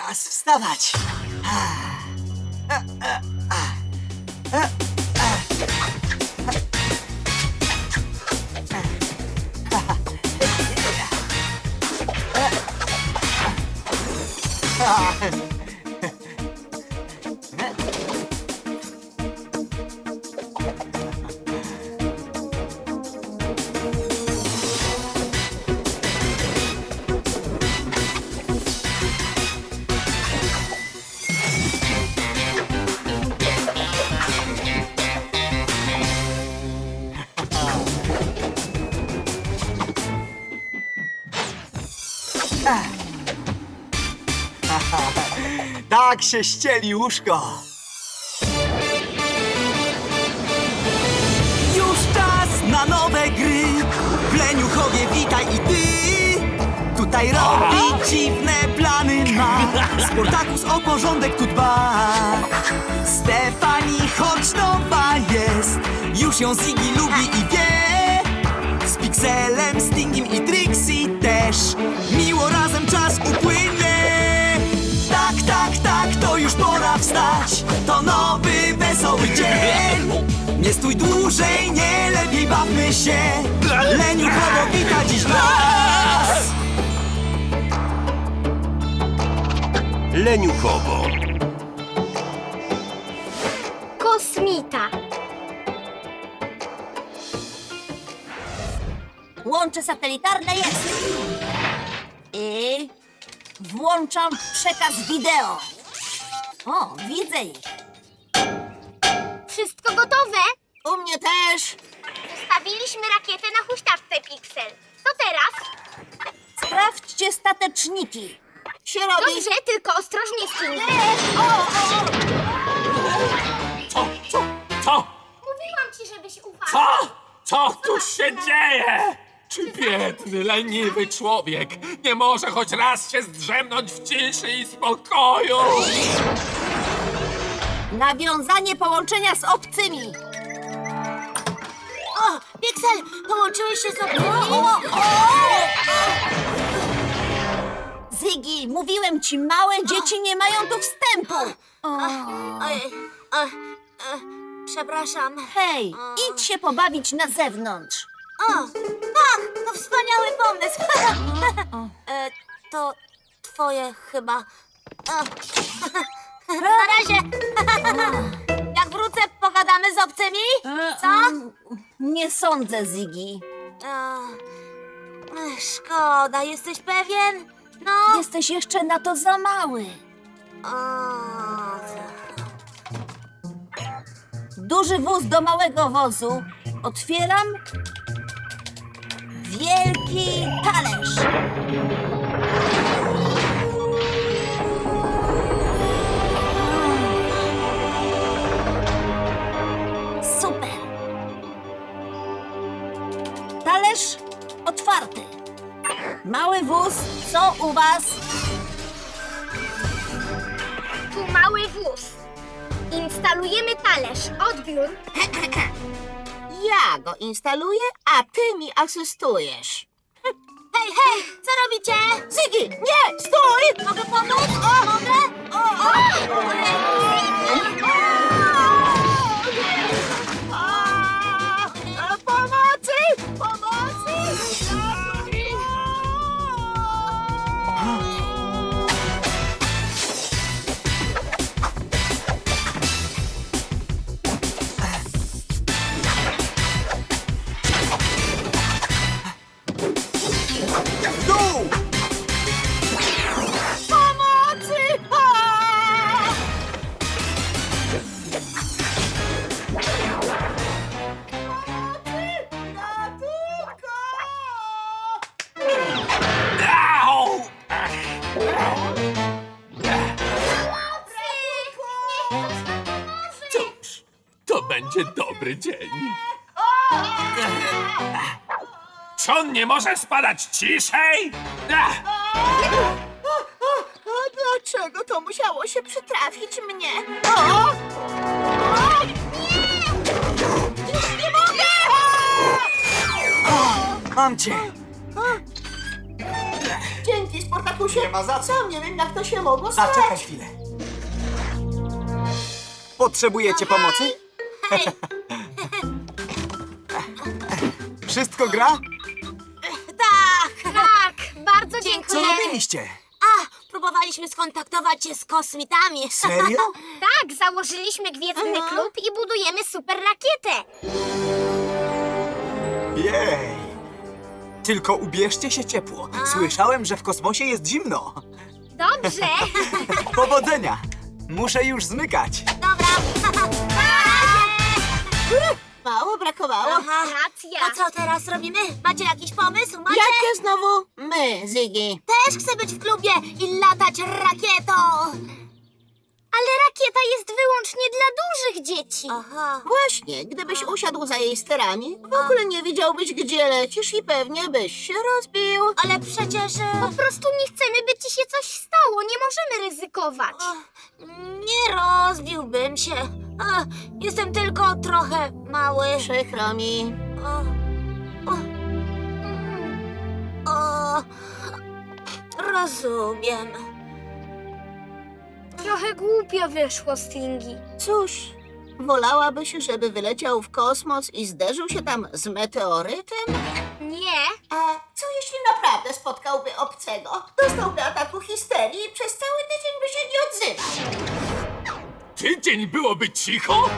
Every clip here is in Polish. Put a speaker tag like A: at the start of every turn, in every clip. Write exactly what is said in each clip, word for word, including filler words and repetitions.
A: Czas wstawać. Tak się ścieli łóżko. Już czas na nowe gry. W Leniuchowie witaj i ty. Tutaj robi dziwne plany ma. Sportakus o porządek tu dba. Stefani choć nowa jest, już ją Ziggy lubi i wie. Z Pixelem, Stingiem i Trixie też miło razem czas upłynie. Tak, tak, tak, to już pora wstać. To nowy, wesoły dzień. Nie stój dłużej, nie lepiej bawmy się. Leniuchowo wita dziś nas.
B: Leniuchowo.
C: Kosmita.
D: Łącze satelitarne jest. I włączam przekaz wideo. O, widzę ich.
C: Wszystko gotowe?
D: U mnie też.
C: Ustawiliśmy rakietę na huśtawce Pixel. Co teraz?
D: Sprawdźcie stateczniki. Się robi.
C: Dobrze, tylko ostrożnie z tym.
D: O, o, o.
E: Co? Co? Co?
C: Mówiłam ci, żebyś uważał.
E: Co? Co tu się dzieje? Czy biedny, leniwy człowiek nie może choć raz się zdrzemnąć w ciszy i spokoju?
D: Nawiązanie połączenia z obcymi. O, Pixel, połączyłeś się z obcymi? Ziggy, mówiłem ci, małe dzieci nie mają tu wstępu.
C: Ojej, o, o, przepraszam.
D: Hej, idź się pobawić na zewnątrz.
C: O, tak, to wspaniały pomysł. e, to twoje chyba. O. Na razie. Jak wrócę, pogadamy z obcymi? Co?
D: Nie sądzę, Ziggy.
C: O, ech, szkoda, jesteś pewien? No.
D: Jesteś jeszcze na to za mały.
C: O,
D: Duży wóz do małego wozu. Otwieram. Wielki talerz. Super. Talerz otwarty. Mały wóz, co u was?
C: tu mały wóz. Instalujemy talerz. Odbiór.
D: Ja go instaluję, a ty mi asystujesz.
C: Hej, hej, co robicie?
D: Ziggy, nie, stój!
C: Mogę pomóc? O, mogę? O, o,
D: Pomocy! Pomocy!
A: Dół!
D: Pomocy! A!
E: Au! Cóż, to będzie dobry dzień. Czy on nie może spadać ciszej? Ach!
D: A dlaczego to musiało się przytrafić mnie? O! O! Nie! Już nie mogę!
A: Mam cię!
D: Dzięki, Sportaku. Spartakusie.
A: Nie ma za co.
D: Sam nie wiem, jak to się mogło stać.
A: Zaczekaj chwilę. Potrzebujecie pomocy? Wszystko gra?
D: Tak.
C: Tak, bardzo
A: Co
C: dziękuję.
A: robiliście?
D: A, próbowaliśmy skontaktować się z kosmitami.
A: Serio?
C: Tak, założyliśmy gwiezdny klub i budujemy super rakietę.
A: Jej. Tylko ubierzcie się ciepło. Słyszałem, że w kosmosie jest zimno.
C: Dobrze.
A: Powodzenia. Muszę już zmykać.
D: Dobra. Mało brakowało. Aha.
C: Racja.
D: A co teraz robimy? Macie jakiś pomysł? Macie? Jakie znowu? My, Ziggy. Też chcę być w klubie i latać rakietą.
C: Ale rakieta jest wyłącznie dla dużych dzieci.
D: Aha. Właśnie, gdybyś usiadł za jej sterami, w ogóle nie wiedziałbyś, gdzie lecisz i pewnie byś się rozbił. Ale przecież...
C: Po prostu nie chcemy, by ci się coś stało. Nie możemy ryzykować.
D: Nie rozbiłbym się. A, jestem tylko trochę mały. Przykro mi. O, o, mm, o, rozumiem.
C: Trochę głupio wyszło, Stingy.
D: Cóż, wolałabyś, żeby wyleciał w kosmos i zderzył się tam z meteorytem?
C: Nie.
D: A co jeśli naprawdę spotkałby obcego? Dostałby ataku histerii i przez cały tydzień by się nie odzywał.
E: Tydzień byłoby cicho?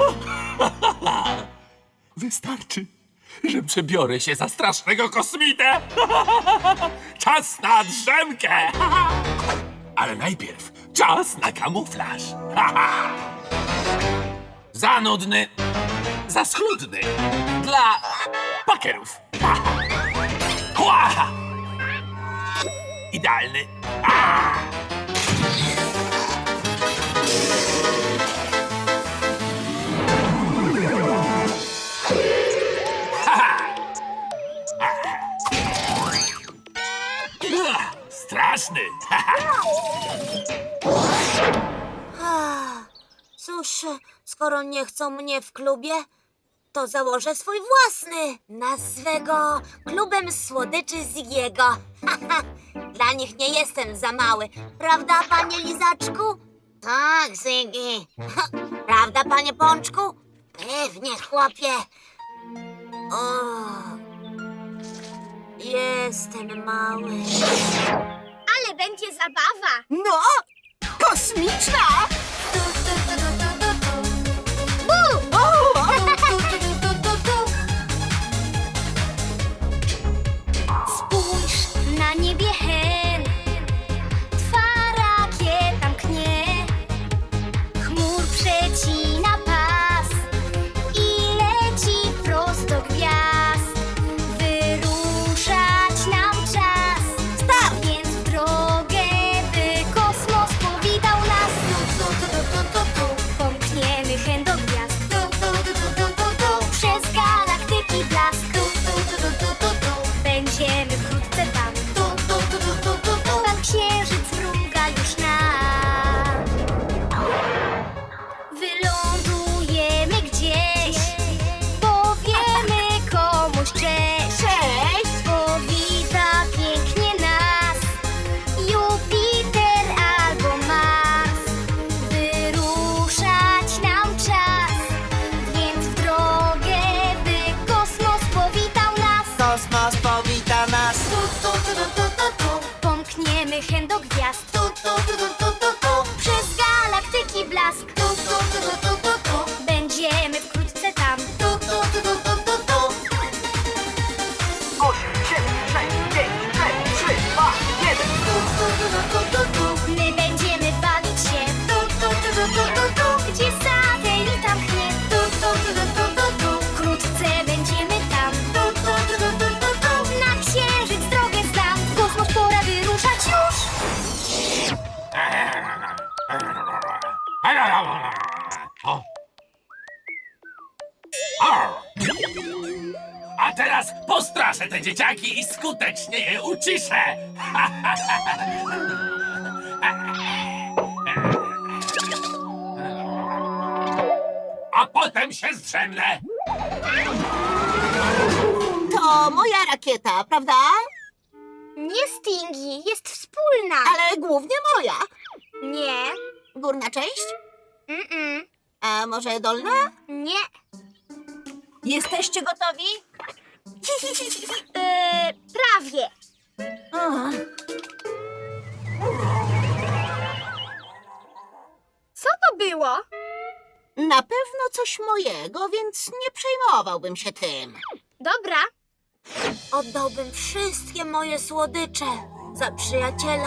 E: Wystarczy, że przebiorę się za strasznego kosmitę. Czas na drzemkę. Ale najpierw czas na kamuflaż. Za nudny, za schludny. Dla pakerów. Ła! Idealny. Straszny.
D: Cóż, skoro nie chcą mnie w klubie, to założę swój własny. Nazwę go Klubem Słodyczy Ziggiego. Dla nich nie jestem za mały. Prawda, panie Lizaczku? Tak, Ziggy. Prawda, panie Pączku? Pewnie, chłopie. O, jestem mały.
C: Ale będzie zabawa.
D: No, kosmiczna!
C: Spójrz na niebie hen, twa rakieta mknie, chmur przecina pas i leci prosto gwiazd. Wyruszać nam czas, start więc w drogę, by kosmos powitał nas. Tu, tu, tu, tu, tu, tu, tu. Pomkniemy hen do gwiazd, tu, tu, tu, tu, tu, tu, tu. Przez galaktyki blask, tu, tu, tu, tu, tu, tu, tu. Będziemy wkrótce tam, tu, tu, tu, tu, tu, tu, tu. Tam księżyc mruga już nam. Wylądujemy gdzieś, powiemy komuś cześć. Cześć! Powita pięknie nas Jupiter albo Mars. Wyruszać nam czas, więc w drogę, by kosmos powitał nas.
A: Kosmos powita nas.
C: Tu, tu, tu, tu, tu, tu, tu. Pomkniemy hen do gwiazd. Tu, tu, tu, tu, tu, tu, tu. Przez galaktyki blask. Tu, tu, tu, tu, tu, tu, tu. Będziemy wkrótce tam. Tu, tu, tu, tu, tu, tu, tu.
A: osiem, siedem, sześć, pięć, cztery, trzy, dwa, jeden.
C: Tu, tu, tu, tu, tu, tu, tu. My będziemy bawić się. Tu, tu, tu, tu, tu, tu, tu. Gdzie satelita mknie. Tu, tu, tu, tu, tu, tu, tu. Wkrótce będziemy tam. Tu, tu, tu, tu, tu, tu, tu. Na księżyc drogę znam. W kosmos pora wyruszać już.
E: O. O. A teraz postraszę te dzieciaki i skutecznie je uciszę. A potem się zdrzemnę.
D: To moja rakieta, prawda?
C: Nie Stingy, jest wspólna.
B: Ale głównie moja.
C: Nie.
B: Górna część?
C: Mm-mm.
B: A może dolna?
C: Nie.
B: Jesteście gotowi?
C: Yy, prawie. Co to było?
B: Na pewno coś mojego, więc nie przejmowałbym się tym.
C: Dobra.
D: Oddałbym wszystkie moje słodycze za przyjaciela.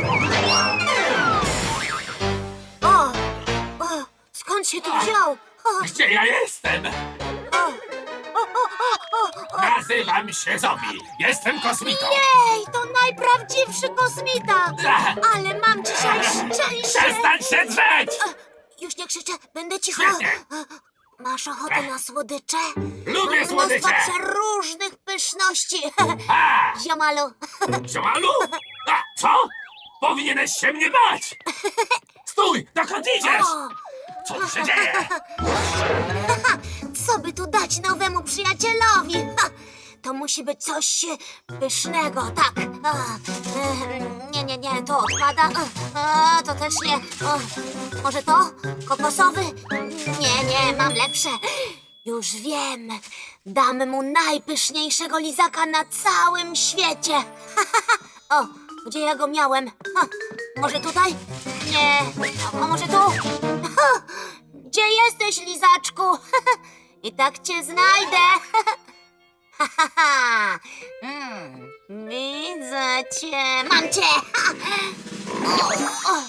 D: O! O! Skąd się tu wziął? O!
E: Gdzie ja jestem?
D: O! O! O! O! O!
E: Nazywam się Zobi. Jestem kosmitą.
D: Ej, to najprawdziwszy kosmita!
E: Ach,
D: Ale mam dzisiaj szczęście!
E: Przestań się drzeć!
D: Już nie krzyczę, będę cicho.
E: Świetnie.
D: Masz ochotę na słodycze?
E: Lubię
D: Mam
E: słodycze.
D: mnóstwo przeróżnych pyszności.
E: A,
D: Ziomalu,
E: ziomalu? A, co? Powinieneś się mnie bać! Stój! Dokąd idziesz?
D: o,
E: Co tu się dzieje?
D: co by tu dać nowemu przyjacielowi? Ha, to musi być coś e, pysznego, tak. A, e, nie, nie, nie, to odpada. A, to też nie. O, może to? Kokosowy? Nie, nie, mam lepsze. Już wiem. Dam mu najpyszniejszego lizaka na całym świecie. O, gdzie ja go miałem? Ha, może tutaj? Nie. A może tu? Ha, gdzie jesteś, lizaczku? I tak cię znajdę. Ha, ha, ha. Mm, widzę cię. Mam cię. O,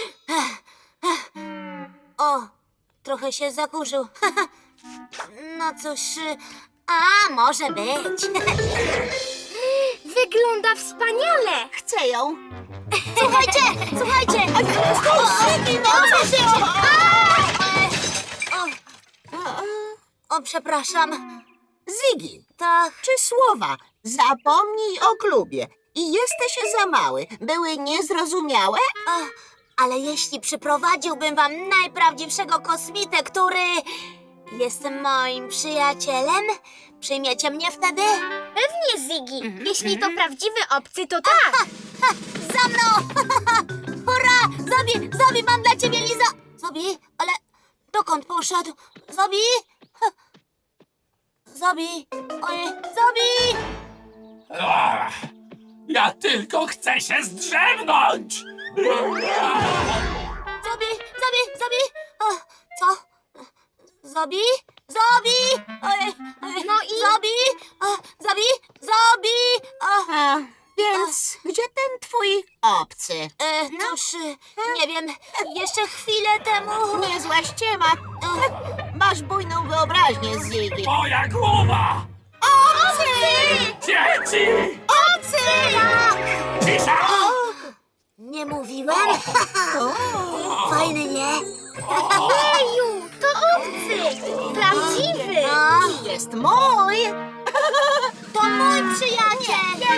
D: o, o, trochę się zakurzył. No cóż, a może być.
C: Wygląda wspaniale.
B: Chcę ją.
D: Słuchajcie, słuchajcie. O, o, przepraszam.
B: Ziggy,
D: Tak.
B: czy słowa zapomnij o klubie i jesteś za mały były niezrozumiałe?
D: O, ale jeśli przyprowadziłbym wam najprawdziwszego kosmitę, który jest moim przyjacielem, przyjmiecie mnie wtedy?
C: Pewnie, Ziggy. Jeśli to prawdziwy obcy, to tak.
D: Ha, za mną! Hurra! Zobi, Zobi, mam dla ciebie liza... Zobi, ale dokąd poszedł? Zobi? Ha. Zobi, oj, Zobi!
E: Ach, ja tylko chcę się zdrzemnąć!
D: Zobi, Zobi, Zobi! O, co? Zobi? Zobi! Oj, oj,
C: No i?
D: Zobi! O, Zobi! Zobi! O,
B: A, więc gdzie ten twój obcy?
D: e, cóż, e, nie wiem, jeszcze chwilę temu...
B: Niezła ściema. Masz bujną wyobraźnię, Ziggy.
E: Moja głowa!
D: Obcy!
E: Dzieci!
D: Obcy! Tak!
E: Cisza!
D: Nie mówiłem? Fajny, nie?
C: Eju, to obcy. Prawdziwy.
D: No,
B: Jest mój.
D: to mój przyjaciel!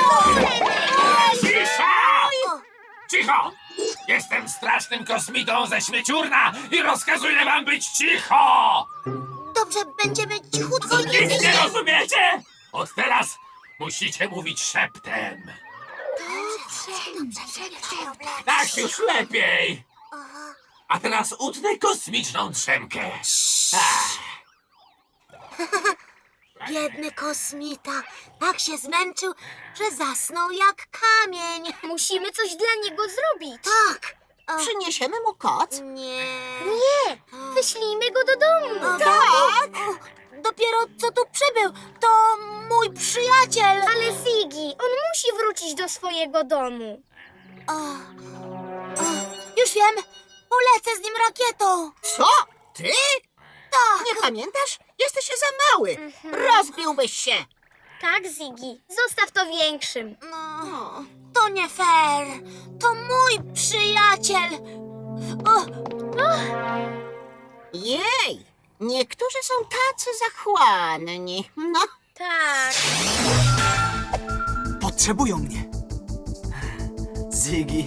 E: Cisza!
D: O,
E: Cicho! Jestem strasznym kosmitą ze śmieciurna i rozkazuję wam być cicho!
D: dobrze, będziemy cichutko i
E: Nic nie rozumiecie? Od teraz musicie mówić szeptem. Tak już lepiej. A teraz utnę kosmiczną drzemkę. Ach,
D: Biedny kosmita tak się zmęczył, że zasnął jak kamień.
C: Musimy coś dla niego zrobić.
D: Tak. O,
B: Przyniesiemy mu koc?
D: nie.
C: Nie, wyślijmy go do domu.
D: O, tak. O, dopiero co tu przybył. To mój przyjaciel.
C: Ale Ziggy, on musi wrócić do swojego domu.
D: O, o, już wiem. Polecę z nim rakietą.
B: Co? Ty?
D: Tak.
B: Nie pamiętasz? Jesteś za mały. Rozbiłbyś się.
C: Tak, Ziggy, zostaw to większym.
D: No, to nie fair. To mój przyjaciel. O,
B: Jej, niektórzy są tacy zachłanni. No,
C: Tak.
A: Potrzebują mnie. Ziggy.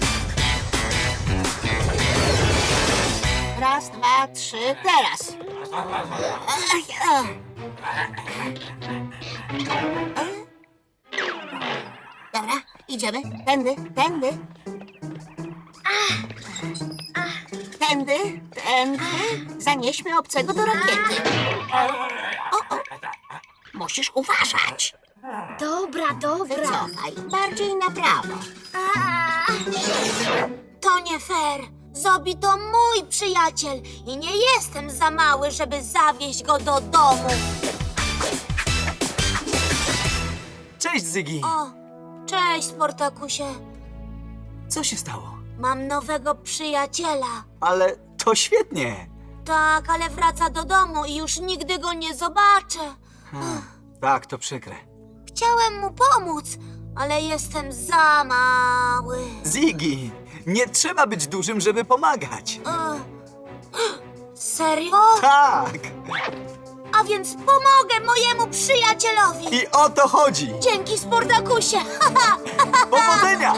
B: raz, dwa, trzy, teraz. Dobra, idziemy. Tędy, tędy. Tędy, tędy. Zanieśmy obcego do rakiety. O, o. Musisz uważać.
C: Dobra, dobra.
B: Wycofaj. Bardziej na prawo.
D: To nie fair. Zobi to mój przyjaciel i nie jestem za mały, żeby zawieźć go do domu.
A: Cześć, Zygi.
D: O, cześć, Sportakusie.
A: Co się stało?
D: Mam nowego przyjaciela.
A: Ale to świetnie.
D: Tak, ale wraca do domu i już nigdy go nie zobaczę.
A: Tak, to przykre.
D: Chciałem mu pomóc, ale jestem za mały.
A: Ziggy, nie trzeba być dużym, żeby pomagać.
D: E, Serio?
A: Tak.
D: A więc pomogę mojemu przyjacielowi.
A: I o to chodzi.
D: Dzięki, Sportakusie.
A: Powodzenia!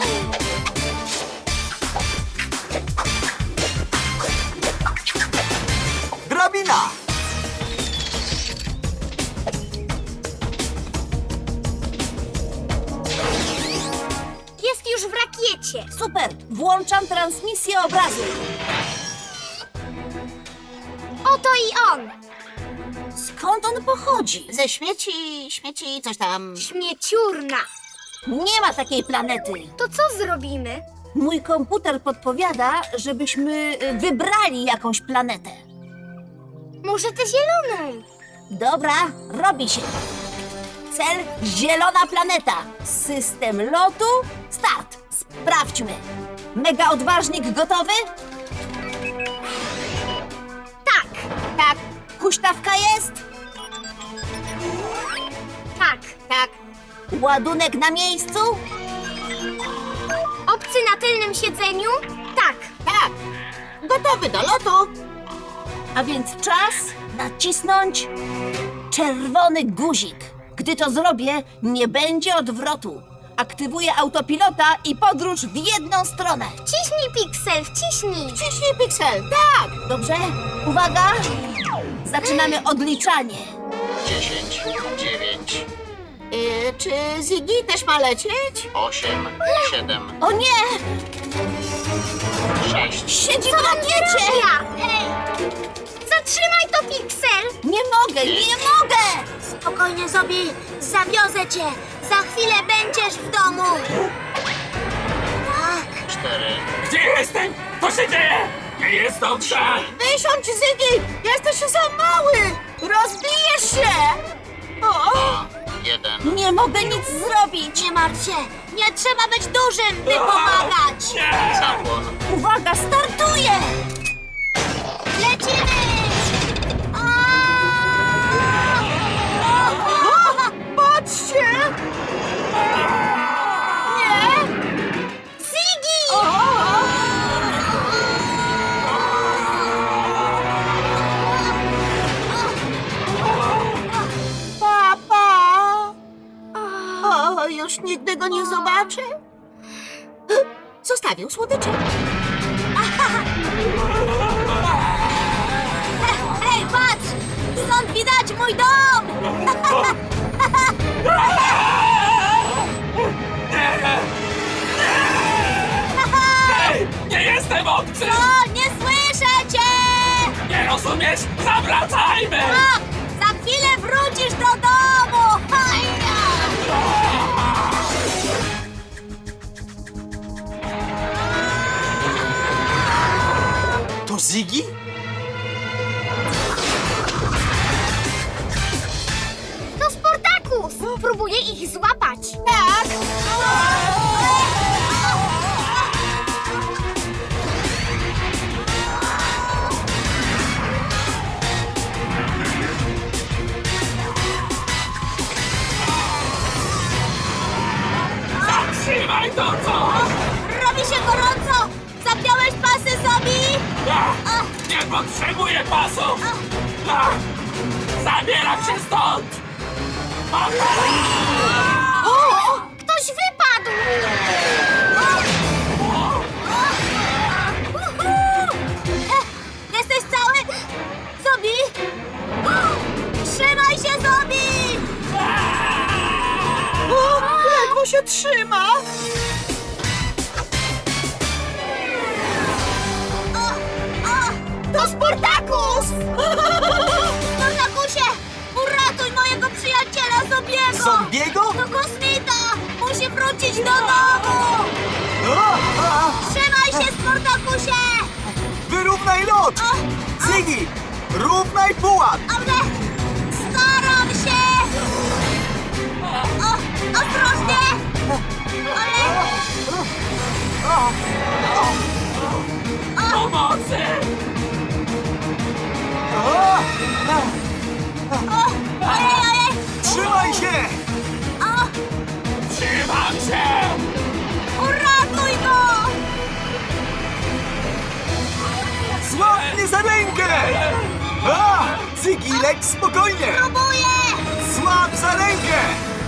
A: Drabina!
C: Jest już w rakiecie.
B: Super, włączam transmisję obrazu.
C: Oto i on.
B: Skąd on pochodzi? Ze śmieci, śmieci, coś tam.
C: Śmieciurna.
B: Nie ma takiej planety.
C: To co zrobimy?
B: Mój komputer podpowiada, żebyśmy y, wybrali jakąś planetę.
C: Może tę zieloną?
B: Dobra, robi się. Cel zielona planeta. System lotu. Start. Sprawdźmy. Mega odważnik gotowy?
C: Tak,
B: Tak. Huśtawka jest?
C: tak.
B: Tak. Ładunek na miejscu?
C: Obcy na tylnym siedzeniu? Tak.
B: Tak. Gotowy do lotu. A więc czas nacisnąć czerwony guzik. Gdy to zrobię, nie będzie odwrotu. Aktywuję autopilota i podróż w jedną stronę.
C: Wciśnij, Pixel, wciśnij.
B: Wciśnij Pixel, tak! Dobrze, uwaga! Zaczynamy odliczanie.
F: dziesięć, dziewięć,
B: Yy, czy Ziggy też ma lecieć?
F: osiem, siedem,
B: O nie!
F: sześć,
B: Siedzi w rakiecie!
C: Ja. Ej, zatrzymaj to, Pixel.
B: Nie mogę, nie mogę!
D: Spokojnie, Zobi, zawiozę cię. Za chwilę będziesz w domu. Tak.
F: cztery,
E: Gdzie jestem? Co się dzieje? Nie jest dobrze!
B: Wysiądź, Ziggy! Jesteś za mały! Rozbijesz się! O, o.
F: jeden,
B: Nie mogę nic zrobić!
D: Nie martw się. Nie trzeba być dużym, by pomagać.
E: Nie!
F: zapłon,
B: Uwaga, startuję!
D: Lecimy!
B: Patrzcie! Nie!
D: Ziggy!
B: Papa! O, już nigdy go nie zobaczę. Zostawił słodycze.
D: Hej, patrz! Stąd widać mój dom!
E: Hej! Nie jestem obcy!
D: O, nie słyszę cię!
E: Nie rozumiesz? Zawracajmy!
D: Tak, za chwilę wrócisz do domu! Hajja!
A: To Ziggy?
C: To Sportakus. Próbuję ich złapać.
B: Tak!
E: Zatrzymaj to, co?
D: Robi się gorąco! Zapiąłeś pasy, Zobi?
E: Ja nie potrzebuję pasów! Ja zabieram się stąd!
C: Ktoś wypadł.
D: Uhu! E, Jesteś cały? Zobi?
A: Zombiego?
D: To kosmita! Musi wrócić do domu!
A: A, a,
D: Trzymaj się, Sportakusie!
A: wyrównaj lot! Ziggy, równaj pułap!
D: Ale staram się! O, ostrożnie! Ale...
E: Pomocy!
A: A,
D: O, ojej, ojej!
A: trzymaj się!
D: O,
E: Trzymam się!
D: uratuj go!
A: Złap mnie za rękę! A, Ziggy, leć spokojnie!
D: Próbuję!
A: Złap za rękę!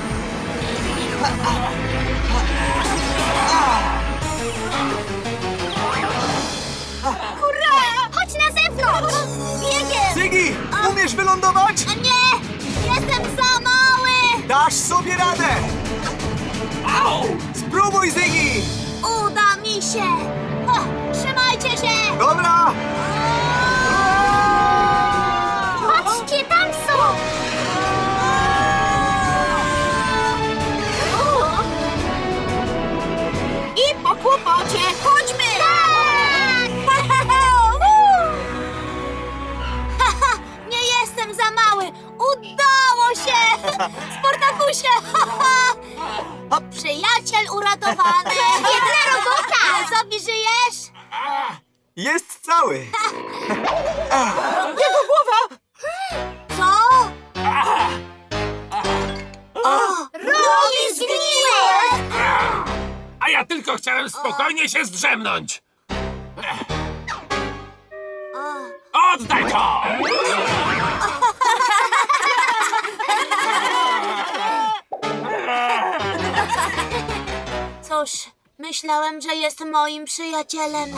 D: Hurra! Chodź na zewnątrz! Biegiem!
A: Ziggy, umiesz wylądować?
D: O nie! Jestem za mały!
A: Dasz sobie radę!
E: Au!
A: Spróbuj, Ziggy!
D: Uda mi się! O, trzymajcie się!
A: Dobra!
D: Patrzcie, tam są!
B: I po kłopocie, chodźmy!
D: Tak! Haha, nie jestem za mały! Udało się! Sportakusie! O, przyjaciel uratowany! Jedna robota! Zobi, żyjesz?
A: Jest cały!
B: Jego głowa!
D: Co? Robi zgniłe!
E: A ja tylko chciałem spokojnie się zdrzemnąć. Oddaj to!
D: Cóż, myślałem, że jest moim przyjacielem.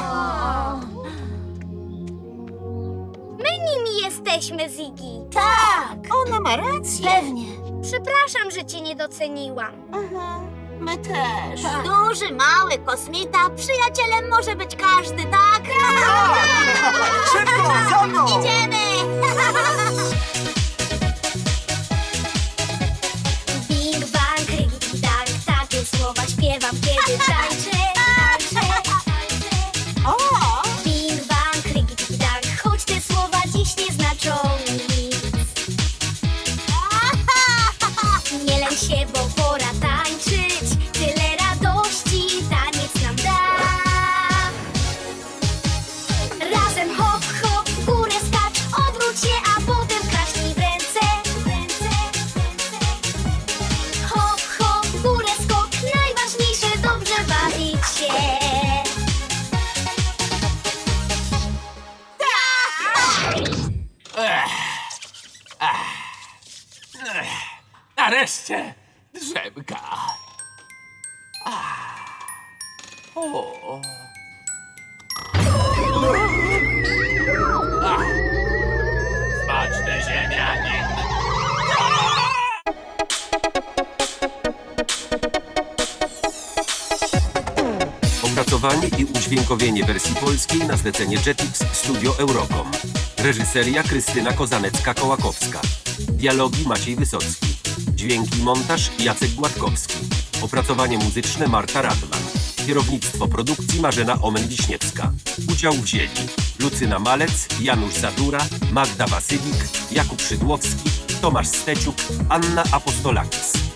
D: My nimi jesteśmy, Ziggy.
B: Tak, ona ma rację.
D: Pewnie. Przepraszam, że cię nie doceniłam.
B: My też.
D: Duży, mały, kosmita, przyjacielem może być każdy, tak?
A: Szybko, za mną!
D: Idziemy! Bing bang, rygi dang, takie słowa śpiewam, kiedy tańczę, tańczę, tańczę.
B: O!
D: Bing bang, rygi dang, choć te słowa dziś nie znaczą nic. Nie lęk się, bo pora tańczyć, tyle radości taniec nam da. Razem hop, hop, w górę skacz, obróć się, a potem klaśnij w ręce. W ręce, w ręce. Hop, hop, w górę skok, najważniejsze dobrze bawić się.
E: Nareszcie drzemka. Ah. O. Ah. Smaczne ziemianie.
G: Opracowanie i udźwiękowienie wersji polskiej na zlecenie Jetix Studio Eurocom. Reżyseria Krystyna Kozanecka-Kołakowska. Dialogi Maciej Wysocki. Dźwięki i montaż Jacek Gładkowski. Opracowanie muzyczne Marta Radman. Kierownictwo produkcji Marzena Omen-Wiśniewska. Udział wzięli Lucyna Malec, Janusz Zadura, Magda Wasylik, Jakub Szydłowski, Tomasz Steciuk, Anna Apostolakis.